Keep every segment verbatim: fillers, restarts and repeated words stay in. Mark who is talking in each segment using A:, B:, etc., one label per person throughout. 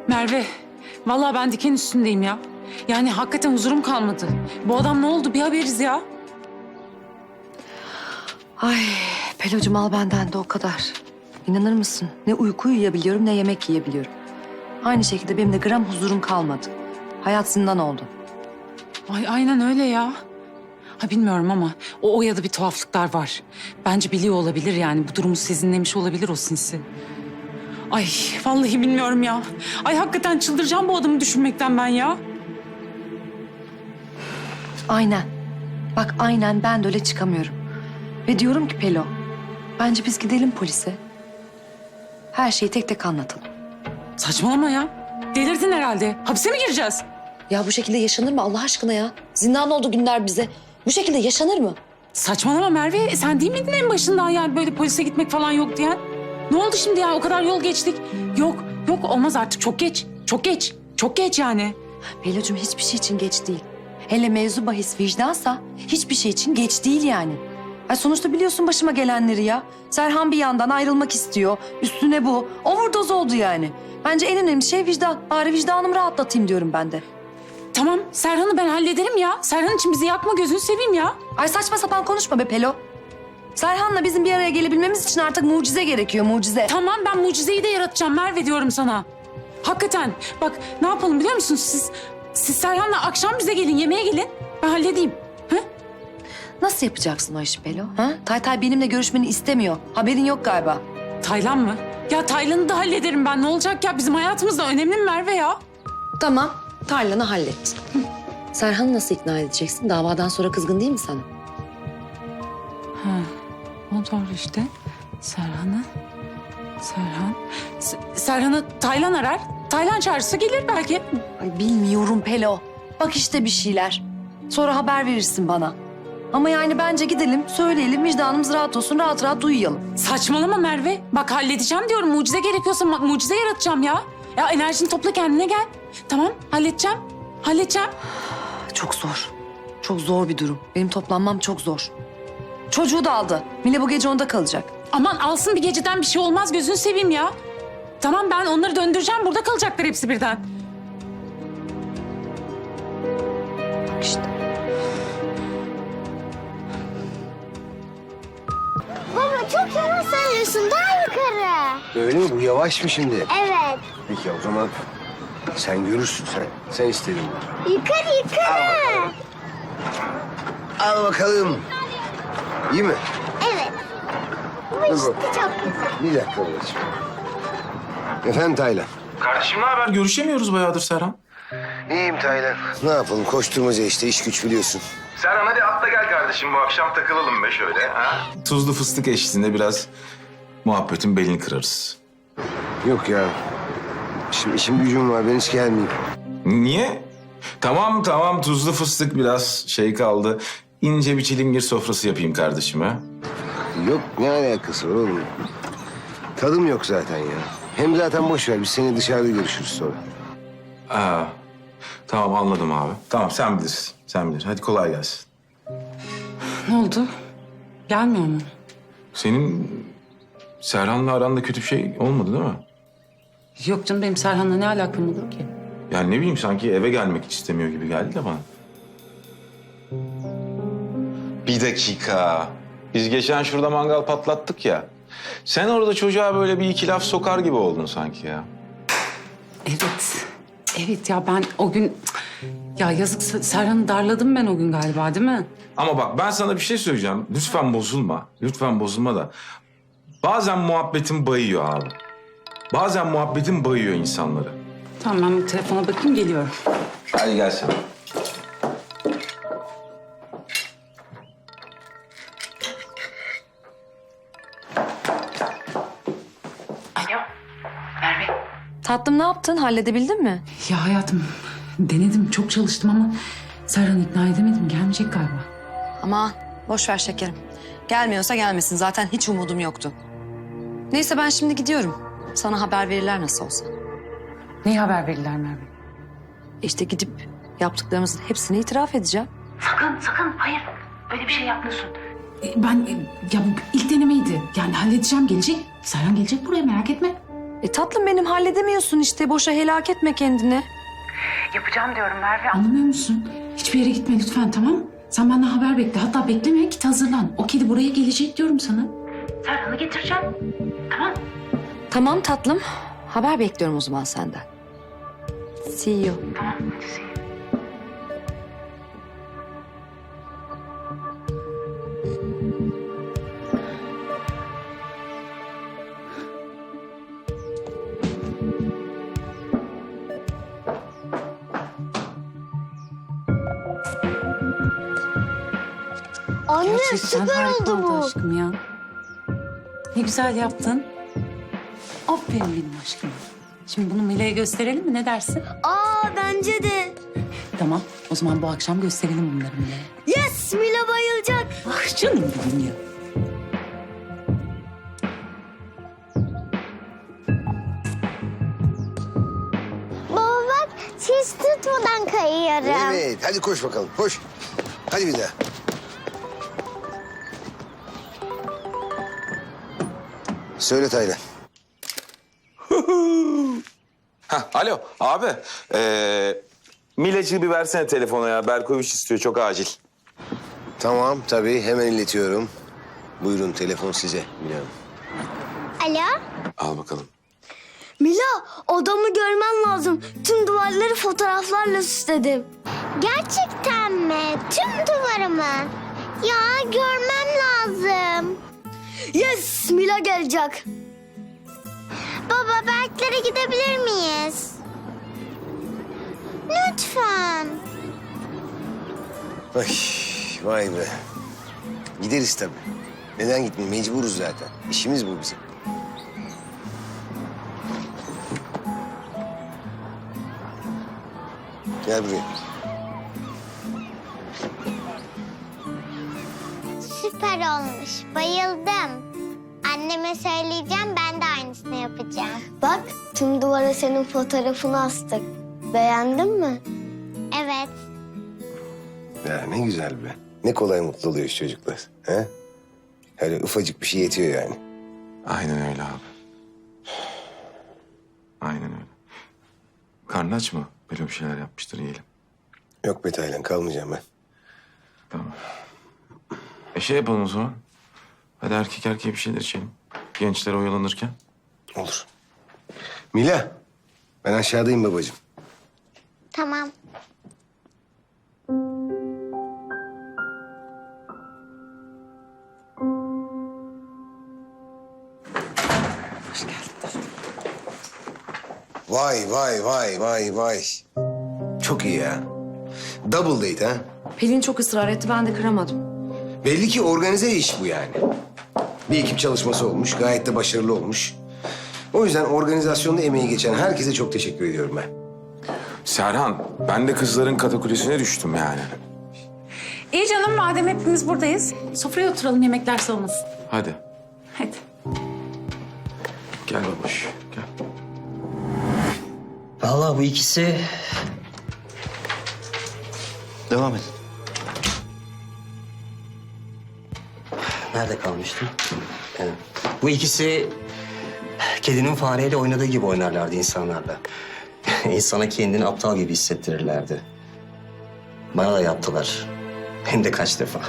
A: Merve, vallahi ben diken üstündeyim ya. Yani hakikaten huzurum kalmadı. Bu adam ne oldu bir haberiz ya.
B: Ay Pelocuğum al benden de o kadar. İnanır mısın? Ne uyku uyuyabiliyorum ne yemek yiyebiliyorum. Aynı şekilde benim de gram huzurum kalmadı. Hayat zindan oldu.
A: Ay aynen öyle ya. Ha bilmiyorum ama o Oya'da bir tuhaflıklar var. Bence biliyor olabilir yani. Bu durumu sezinlemiş olabilir o sinsi. Ay vallahi bilmiyorum ya. Ay hakikaten çıldıracağım bu adamı düşünmekten ben ya.
B: Aynen. Bak aynen ben de öyle çıkamıyorum. Ve diyorum ki Pelo, bence biz gidelim polise. Her şeyi tek tek anlatalım.
A: Saçmalama ya. Delirdin herhalde. Hapse mi gireceğiz?
B: Ya bu şekilde yaşanır mı Allah aşkına ya? Zindan oldu günler bize. Bu şekilde yaşanır mı?
A: Saçmalama Merve. E, sen değil miydin en başından yani böyle polise gitmek falan yok diyen? Ne oldu şimdi ya? O kadar yol geçtik. Yok, yok olmaz artık. Çok geç. Çok geç. Çok geç yani.
B: Pelocuğum hiçbir şey için geç değil. Hele mevzu bahis vicdansa hiçbir şey için geç değil yani. Ay sonuçta biliyorsun başıma gelenleri ya. Serhan bir yandan ayrılmak istiyor. Üstüne bu. Overdose oldu yani. Bence en önemli şey vicdan. Bari vicdanımı rahatlatayım diyorum ben de.
A: Tamam Serhan'ı ben hallederim ya. Serhan için bizi yakma gözünü seveyim ya.
B: Ay saçma sapan konuşma be Pelo. Serhan'la bizim bir araya gelebilmemiz için artık mucize gerekiyor, mucize.
A: Tamam ben mucizeyi de yaratacağım Merve diyorum sana. Hakikaten bak ne yapalım biliyor musunuz siz? Siz Serhan'la akşam bize gelin yemeğe gelin. Ben halledeyim. Ha?
B: Nasıl yapacaksın o işi Pelo? Ha? Taytay benimle görüşmeni istemiyor. Haberin yok galiba.
A: Taylan mı? Ya Taylan'ı da hallederim ben. Ne olacak ya? Bizim hayatımızda önemli mi Merve ya?
B: Tamam, Taylan'ı hallet. Serhan'ı nasıl ikna edeceksin? Davadan sonra kızgın değil mi sana?
A: Ha, o doğru işte. Serhan'ı... Serhan... S- Serhan'ı Taylan arar. Taylan çağırırsa gelir belki.
B: Ay bilmiyorum Pelo. Bak işte bir şeyler. Sonra haber verirsin bana. Ama yani bence gidelim, söyleyelim, vicdanımız rahat olsun, rahat rahat uyuyalım.
A: Saçmalama Merve. Bak halledeceğim diyorum. Mucize gerekiyorsa ma- mucize yaratacağım ya. Ya enerjini topla kendine gel. Tamam halledeceğim. Halledeceğim.
B: Çok zor. Çok zor bir durum. Benim toplanmam çok zor. Çocuğu da aldı. Mine bu gece onda kalacak.
A: Aman alsın bir geceden bir şey olmaz gözünü seveyim ya. Tamam ben onları döndüreceğim. Burada kalacaklar hepsi birden.
B: Bak işte.
C: Baba çok yavaş söylüyorsun. Daha yukarı.
D: Öyle mi? Bu yavaş mı şimdi?
C: Evet.
D: Peki o zaman sen görürsün sen. Sen istedin.
C: Yukarı yukarı.
D: Al bakalım. İyi mi?
C: Evet. Bu işte çok güzel.
D: Bir dakika babacığım. Efendim Taylan.
E: Kardeşim ne haber? Görüşemiyoruz bayağıdır Serhan.
D: İyiyim Taylan. Ne yapalım? Koşturmaca işte. İş güç biliyorsun.
E: Serhan hadi atla gel kardeşim bu akşam takılalım be şöyle. Ha? Tuzlu fıstık eşliğinde biraz muhabbetin belini kırarız.
D: Yok ya. Şimdi işim gücüm var. Ben hiç gelmeyeyim.
E: Niye? Tamam tamam tuzlu fıstık biraz şey kaldı. İnce bir çilingir sofrası yapayım kardeşime.
D: Yok ne alakası var oğlum? Tadım yok zaten ya. Hem zaten boş ver. Biz seni dışarıda görüşürüz sonra.
E: Aa, tamam anladım abi. Tamam sen bilirsin. Sen bilir. Hadi kolay gelsin.
A: Ne oldu? Gelmiyor mu?
E: Senin Serhan'la aranda kötü bir şey olmadı değil mi?
A: Yok canım benim Serhan'la ne alakam olur ki?
E: Yani ne bileyim sanki eve gelmek hiç istemiyor gibi geldi de bana. Bir dakika. Biz geçen şurada mangal patlattık ya. Sen orada çocuğa böyle bir iki laf sokar gibi oldun sanki ya.
A: Evet. Evet ya ben o gün... Ya yazık Serhan'ı darladım ben o gün galiba değil mi?
E: Ama bak ben sana bir şey söyleyeceğim. Lütfen bozulma. Lütfen bozulma da. Bazen muhabbetin bayıyor abi. Bazen muhabbetin bayıyor insanları.
A: Tamam ben bir telefona bakayım geliyorum.
E: Hadi gel sen.
A: Alo Merve.
B: Tatlım ne yaptın? Halledebildin mi?
A: Ya hayatım denedim çok çalıştım ama Serhan'ı ikna edemedim gelmeyecek galiba.
B: Aman boş ver şekerim. Gelmiyorsa gelmesin. Zaten hiç umudum yoktu. Neyse ben şimdi gidiyorum. Sana haber verirler nasıl olsa.
A: Neyi haber verirler Merve?
B: İşte gidip yaptıklarımızın hepsini itiraf edeceğim.
A: Sakın sakın hayır öyle bir şey yapmıyorsun. Ben e, ya bu ilk denemeydi yani halledeceğim gelecek. Serhan gelecek buraya merak etme.
B: E tatlım benim halledemiyorsun işte. Boşa helak etme kendini.
A: Yapacağım diyorum Merve. Anlamıyor musun? Hiçbir yere gitme lütfen, tamam? Sen benden haber bekle. Hatta bekleme, git hazırlan. O kedi buraya gelecek diyorum sana. Serhan'ı getireceğim. Tamam.
B: Tamam tatlım. Haber bekliyorum o zaman senden. See you.
A: Tamam, hadi see you.
C: Anne
A: Gerçekten
C: süper
A: harika
C: oldu bu.
A: aşkım ya. Ne güzel yaptın. Aferin benim aşkım. Şimdi bunu Mila'ya gösterelim mi? Ne dersin?
C: Aa bence de.
A: Tamam. O zaman bu akşam gösterelim bunları Mila'ya.
C: Yes Mila bayılacak.
A: Ah canım benim ya.
C: Baba bak hiç tutmadan kayıyorum.
D: Evet, hadi koş bakalım, koş. Hadi bir daha. Söyle Taylan.
E: Hah, alo abi. Ee, Milacığı bir versene telefona ya. Berkoviç istiyor, çok acil.
D: Tamam, tabii hemen iletiyorum. Buyurun, telefon size Mine Hanım.
C: Alo?
E: Al bakalım.
C: Mila odamı görmen lazım. Tüm duvarları fotoğraflarla süsledim. Gerçekten mi? Tüm duvarı mı? Ya görmem lazım. Yes Mila gelecek. Baba Berklere gidebilir miyiz? Lütfen.
D: Ay, vay be. Gideriz tabii. Neden gitmeyeyim? Mecburuz zaten. İşimiz bu bizim. Gel buraya.
C: Süper olmuş. Bayıldım. Anneme söyleyeceğim, ben de aynısını yapacağım. Bak, tüm duvara senin fotoğrafını astık. Beğendin mi? Evet.
D: Ya ne güzel be. Ne kolay mutlu oluyor şu çocuklar. He? Öyle ufacık bir şey yetiyor yani.
E: Aynen öyle abi. Aynen öyle. Karnın aç mı? Böyle bir şeyler yapmıştır, yiyelim.
D: Yok be Taylan, kalmayacağım ben.
E: Tamam. E şey yapalım o zaman. Hadi erkek erkeğe bir şeyler içelim. Gençler oyalanırken.
D: Olur. Mila, ben aşağıdayım babacığım.
C: Tamam.
A: Hoş geldin.
D: Vay vay vay vay vay. Çok iyi ya. Double date ha.
B: Pelin çok ısrar etti ben de kıramadım.
D: Belli ki organize iş bu yani. Bir ekip çalışması olmuş, gayet de başarılı olmuş. O yüzden organizasyonda emeği geçen herkese çok teşekkür ediyorum ben.
E: Serhan, ben de kızların katakulesine düştüm yani.
A: İyi canım, madem hepimiz buradayız. Sofraya oturalım, yemekler soğumasın.
E: Hadi,
A: Hadi.
E: gel babuş, gel.
F: Vallahi bu ikisi... Devam edin. Nerede kalmıştım? Evet. Bu ikisi kedinin fareyle oynadığı gibi oynarlardı insanlarla. İnsana kendini aptal gibi hissettirirlerdi. Bana da yaptılar. Hem de kaç defa.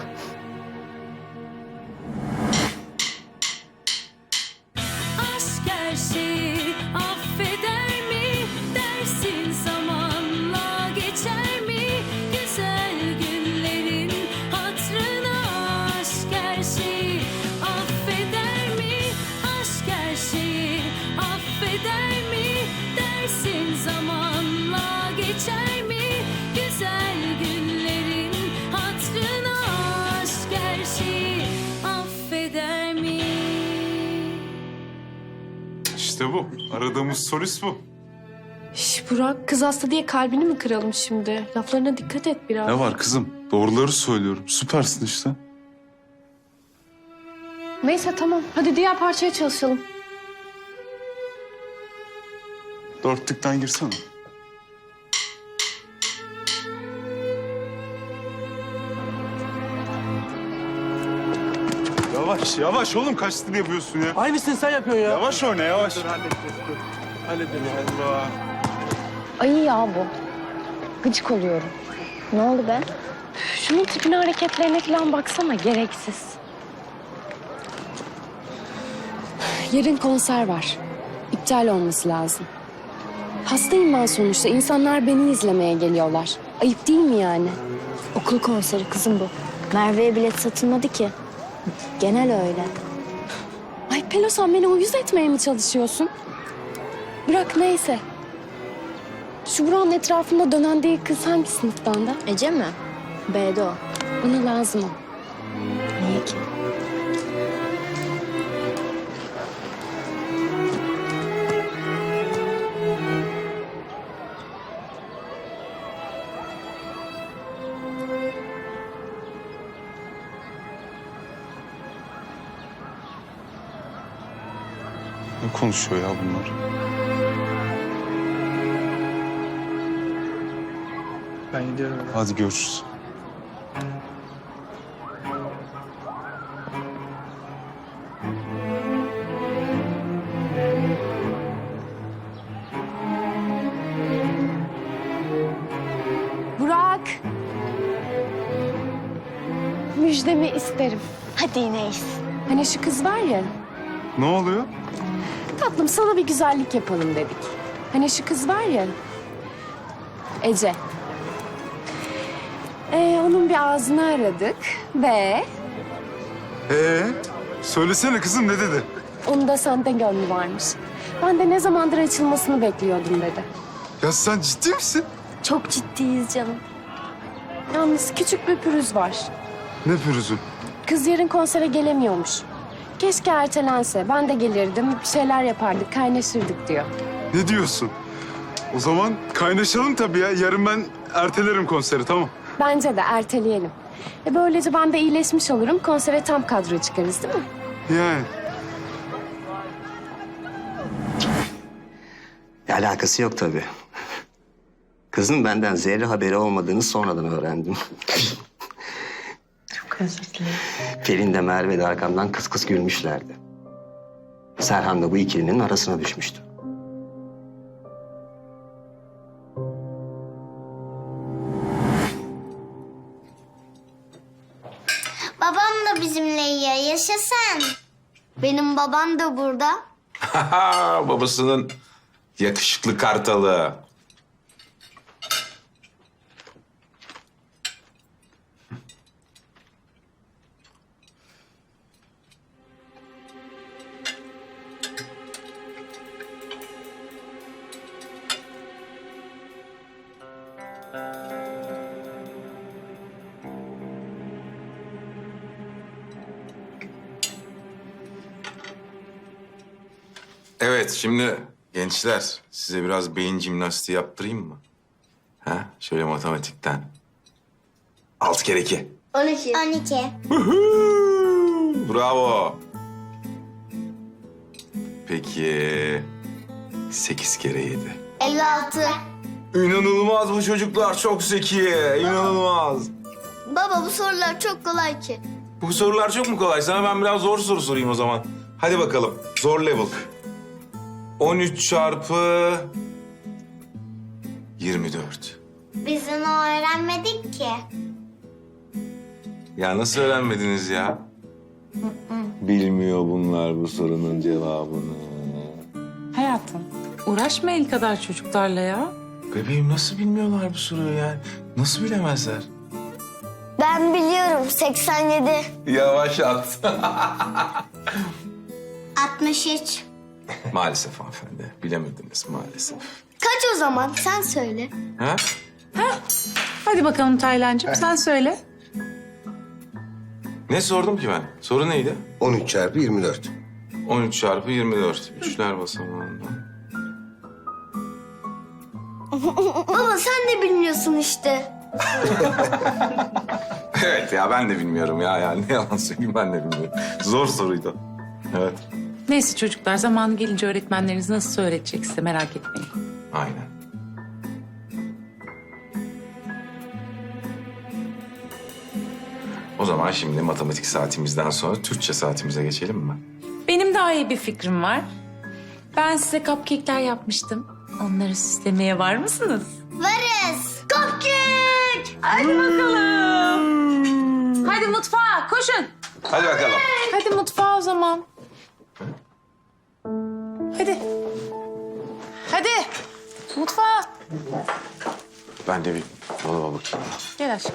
G: Aşk her şeyi affeder mi? Dersin zamanla geçer mi? Güzel günlerin hatırına aşk her şeyi affeder mi? Aşk her şeyi affeder mi? Dersin zamanla geçer mi? Güzel günlerin hatırına aşk her şeyi affeder mi?
H: İşte bu. Aradığımız solist bu.
I: Şş Burak, kız hasta diye kalbini mi kıralım şimdi? Laflarına dikkat et biraz.
H: Ne var kızım? Doğruları söylüyorum. Süpersin işte.
I: Neyse tamam, hadi diğer parçaya çalışalım.
H: Dörtlükten girsene. Yavaş. Yavaş yavaş oğlum kaç stil yapıyorsun ya?
J: Aynısını sen yapıyorsun ya.
H: Yavaş oyna yavaş.
J: Dur halledeceğiz dur. Halledelim.
H: Allah.
I: Ayı ya bu. Gıcık oluyorum.
C: Ne oldu be?
I: Şunun tipine, hareketlerine falan baksana, gereksiz. Yarın konser var. İptal olması lazım. Hastayım ben sonuçta. İnsanlar beni izlemeye geliyorlar. Ayıp değil mi yani?
C: Okul konseri kızım bu. Merve'ye bilet satılmadı ki. Genel öyle.
I: Ay Pelo, sen beni uyuz etmeye mi çalışıyorsun? Bırak neyse. Şu buranın etrafında dönen değil kız hangi sınıftan da?
C: Ece mi? B'de o.
I: Bana lazım o.
C: Niye ki?
H: Ne konuşuyor ya bunlar?
J: Ben gidiyorum.
H: Hadi görüşürüz.
I: Burak. Müjdemi isterim.
C: Hadi Neyiz.
I: Hani şu kız var ya.
H: Ne oluyor?
I: Tatlım sana bir güzellik yapalım dedik. Hani şu kız var ya. Ece. Ee, onun bir ağzını aradık ve
H: Ee, söylesene kızım ne dedi?
I: onun da sende gönlü varmış. Ben de ne zamandır açılmasını bekliyordum dedi.
H: Ya sen ciddi misin?
C: Çok ciddiyiz canım.
I: Yalnız küçük bir pürüz var.
H: Ne pürüzü?
I: Kız yarın konsere gelemiyormuş. Keşke ertelense. Ben de gelirdim, bir şeyler yapardık, kaynaşırdık diyor.
H: Ne diyorsun? O zaman kaynaşalım tabii ya. Yarın ben ertelerim konseri tamam.
I: Bence de erteleyelim. E böylece ben de iyileşmiş olurum, konsere tam kadro çıkarız değil mi?
H: Yani.
F: Alakası yok tabii. Kızın benden zerre haberi olmadığını sonradan öğrendim.
B: Çok özür dilerim.
F: Pelin de Merve de arkamdan kıs kıs gülmüşlerdi. Serhan da bu ikilinin arasına düşmüştü.
C: Babam da bizimle yiyor. Yaşasın. Benim babam da burada.
E: Babasının yakışıklı kartalı. Evet, şimdi gençler size biraz beyin jimnastiği yaptırayım mı? Ha? Şöyle matematikten. Altı kere iki.
C: On iki. On iki.
E: Bravo. Peki sekiz kere yedi.
C: Elli altı.
E: İnanılmaz bu çocuklar, çok zeki. İnanılmaz.
C: Baba bu sorular çok kolay ki.
E: Bu sorular çok mu kolay? Sana ben biraz zor soru sorayım o zaman. Hadi bakalım, zor level. on üç çarpı yirmi dört.
C: Biz onu öğrenmedik ki.
E: Ya nasıl öğrenmediniz ya? Bilmiyor bunlar bu sorunun cevabını.
A: Hayatım, uğraşma el kadar çocuklarla ya.
E: Bebeğim nasıl bilmiyorlar bu soruyu yani? Nasıl bilemezler?
C: Ben biliyorum seksen yedi.
E: Yavaş at.
C: altmış üç.
E: Maalesef hanımefendi, bilemediniz maalesef.
C: Kaç o zaman? Sen söyle.
E: Ha?
A: Hadi bakalım Taylancığım, sen söyle.
E: Ne sordum ki ben? Soru neydi?
D: on üç çarpı yirmi dört.
E: on üç çarpı yirmi dört. Üçler basamağından.
C: Baba sen de bilmiyorsun işte.
E: Evet ya ben de bilmiyorum ya. Yani ne yalan söyleyeyim ben de bilmiyorum. Zor soruydu. Evet.
A: Neyse çocuklar, zamanı gelince öğretmenleriniz nasıl öğretecek size, merak etmeyin.
E: Aynen. O zaman şimdi matematik saatimizden sonra Türkçe saatimize geçelim mi?
A: Benim daha iyi bir fikrim var. Ben size cupcake'ler yapmıştım. Onları süslemeye var mısınız?
C: Varız. Cupcake.
A: Hadi bakalım. Hadi mutfağa koşun.
E: Hadi bakalım.
A: Hadi mutfağa o zaman. Hadi. Hadi. Mutfağa.
E: Ben de bir dolaba bakayım.
A: Gel aşkım.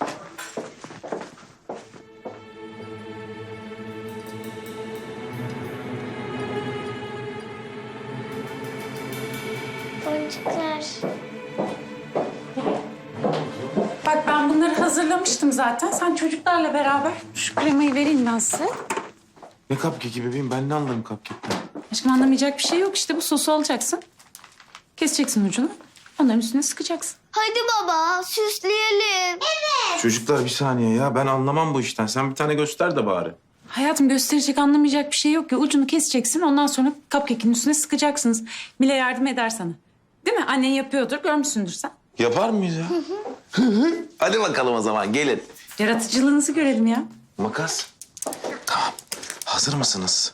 C: Boncuklar.
A: Bak ben bunları hazırlamıştım zaten. Sen çocuklarla beraber şu kremayı vereyim ben size.
E: Ne cupcake'i bebeğim? Ben ne anlarım cupcake'ten?
A: Aşkım anlamayacak bir şey yok. İşte bu sosu alacaksın. Keseceksin ucunu. Onların üstüne sıkacaksın.
C: Hadi baba süsleyelim. Evet.
E: Çocuklar bir saniye ya. Ben anlamam bu işten. Sen bir tane göster de bari.
A: Hayatım gösterecek anlamayacak bir şey yok ya. Ucunu keseceksin. Ondan sonra cupcake'in üstüne sıkacaksınız. Mile yardım eder sana. Değil mi? Annen yapıyordur. Görmüşsündür sen.
E: Yapar mıyız ya? Hadi bakalım o zaman gelin.
A: Yaratıcılığınızı görelim ya.
E: Makas. Tamam. Hazır mısınız?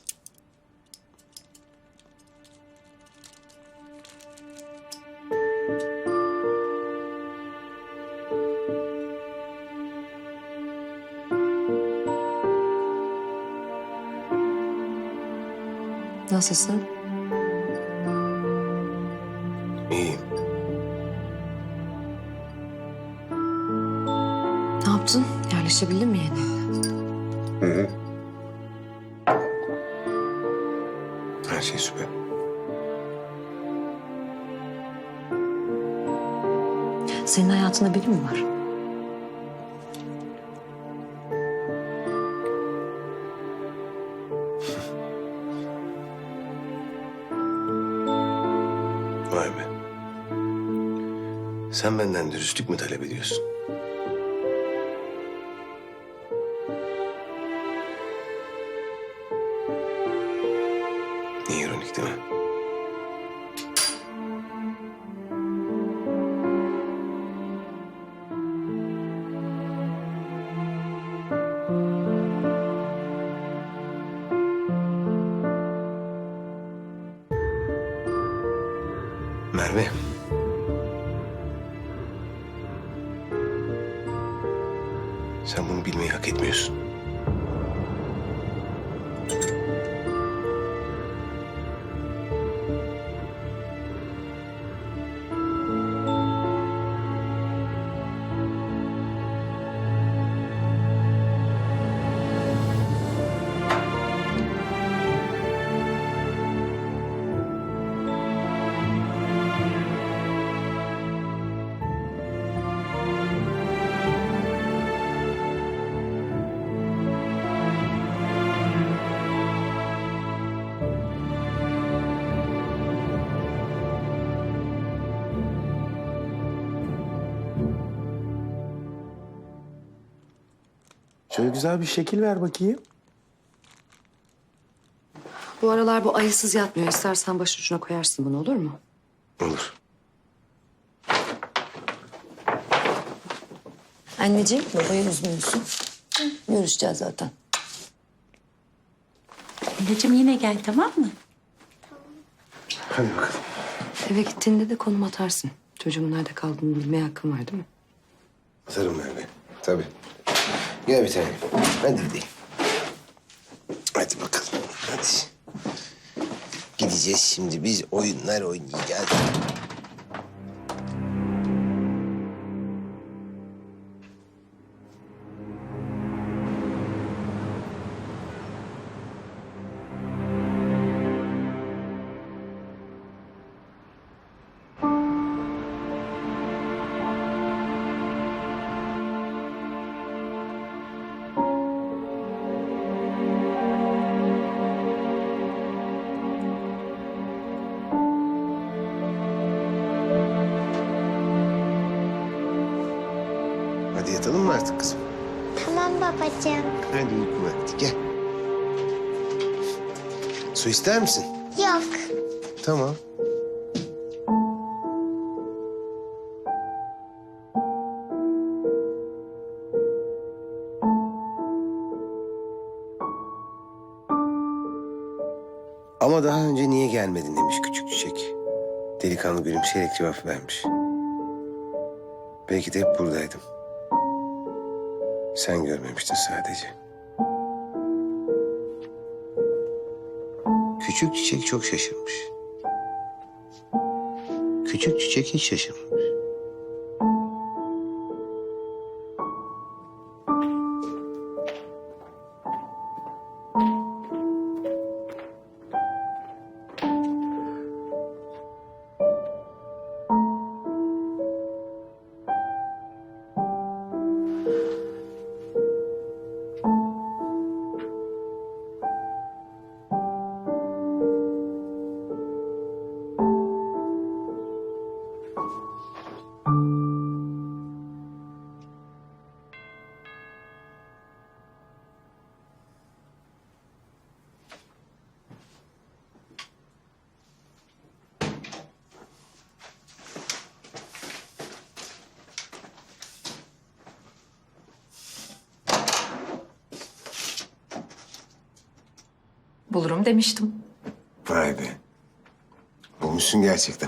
B: Nasılsın?
D: İyiyim.
B: Ne yaptın? Yerleşebildin mi yeni?
D: Hı hı. Her şey süper.
B: Senin hayatında biri mi var?
D: Vay be. Sen benden dürüstlük mü talep ediyorsun? Ne ironik değil mi? Merve. Sen bunu bilmeyi hak etmiyorsun.
E: Şöyle güzel bir şekil ver bakayım.
B: Bu aralar bu ayısız yatmıyor. İstersen başucuna koyarsın bunu, olur mu?
D: Olur.
B: Anneciğim, babayı üzmüyorsun. Görüşeceğiz zaten.
A: Anneciğim yine gel tamam mı?
D: Hadi bakalım.
B: Eve gittiğinde de konum atarsın. Çocuğumun nerede kaldığını bilmeye hakkın var değil mi?
D: Atarım Merve. Tabii. Gel bir tane. Hadi gidelim. Hadi bakalım. Hadi. Gideceğiz şimdi biz oyunlar oynayacağız. Hadi yatalım mı artık kızım?
C: Tamam babacığım.
D: Hadi uyku vakti gel. Su ister misin?
C: Yok.
D: Tamam. Ama daha önce niye gelmedin demiş küçük çiçek. Delikanlı gülümseyerek cevap vermiş. Belki de hep buradaydım. Sen görmemiştin sadece. Küçük çiçek çok şaşırmış. Küçük çiçek hiç şaşırmamış.
B: Bulurum demiştim.
D: Vay be. Bulmuşsun gerçekten.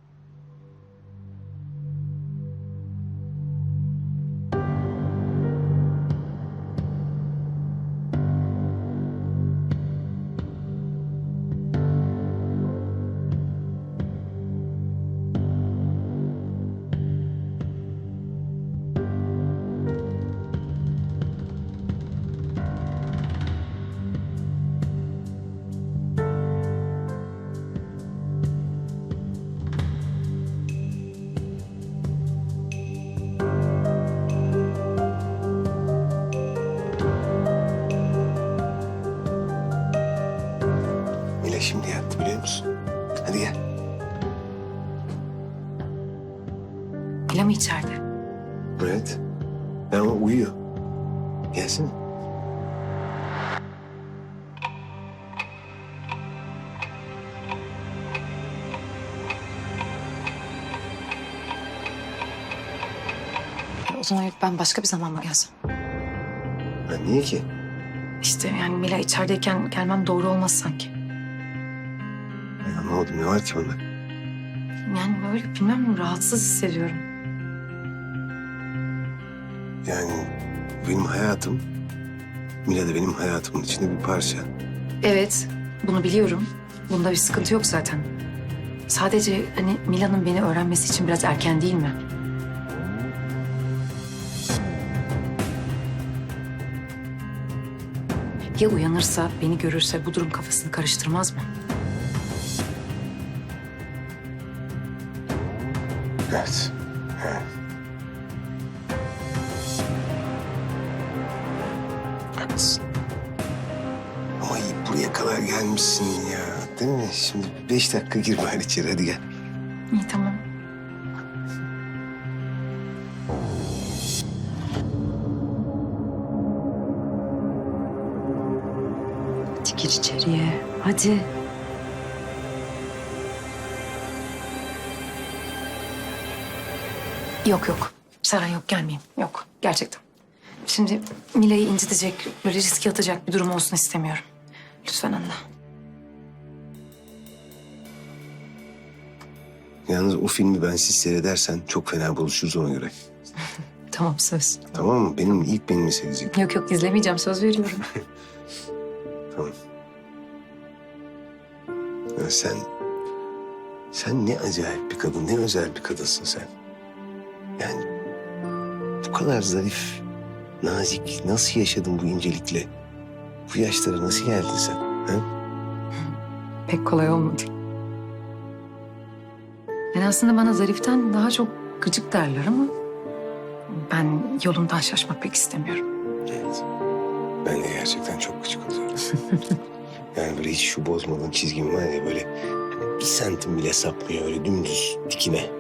D: Mila şimdi yattı biliyor musun? Hadi gel.
B: Mila mı içeride?
D: Evet. Ben o uyuyor. Gelsin.
B: O zaman yok, ben başka bir zaman mı gelsem?
D: Ha, niye ki?
B: İşte yani Mila içerideyken gelmem doğru olmaz sanki.
D: Ay, anlamadım ne var ki bunda?
B: Yani böyle bilmem rahatsız hissediyorum.
D: Yani benim hayatım, Mila da benim hayatımın içinde bir parça.
B: Evet, bunu biliyorum. Bunda bir sıkıntı yok zaten. Sadece hani Mila'nın beni öğrenmesi için biraz erken değil mi? Ya uyanırsa, beni görürse bu durum kafasını karıştırmaz mı?
D: Evet. Evet. Haklısın. Ama iyi buraya kadar gelmişsin ya. Değil mi? Şimdi beş dakika gir bari içeri hadi gel.
B: İyi tamam. Hadi gir içeriye. Hadi. Yok yok. Seren yok gelmeyeyim. Yok gerçekten. Şimdi Mila'yı incitecek, böyle riske atacak bir durum olsun istemiyorum. Lütfen anla.
D: Yalnız o filmi bensiz seyredersen çok fena buluşuruz ona göre.
B: Tamam söz.
D: Tamam mı? Benim ilk benimi seyredecek.
B: Yok yok izlemeyeceğim söz veriyorum.
D: Tamam. Ya sen... Sen ne acayip bir kadın, ne özel bir kadınsın sen. Yani bu kadar zarif, nazik, nasıl yaşadın bu incelikle? Bu yaşlara nasıl geldin sen? Ha?
B: Pek kolay olmadı. Yani aslında bana zariften daha çok gıcık derler ama... ben yolundan şaşmak pek istemiyorum.
D: Evet. Ben de gerçekten çok gıcık oluyorum. Yani böyle hiç şu bozmadığın çizgim var ya böyle... bir santim bile sapmıyor öyle dümdüz dikine.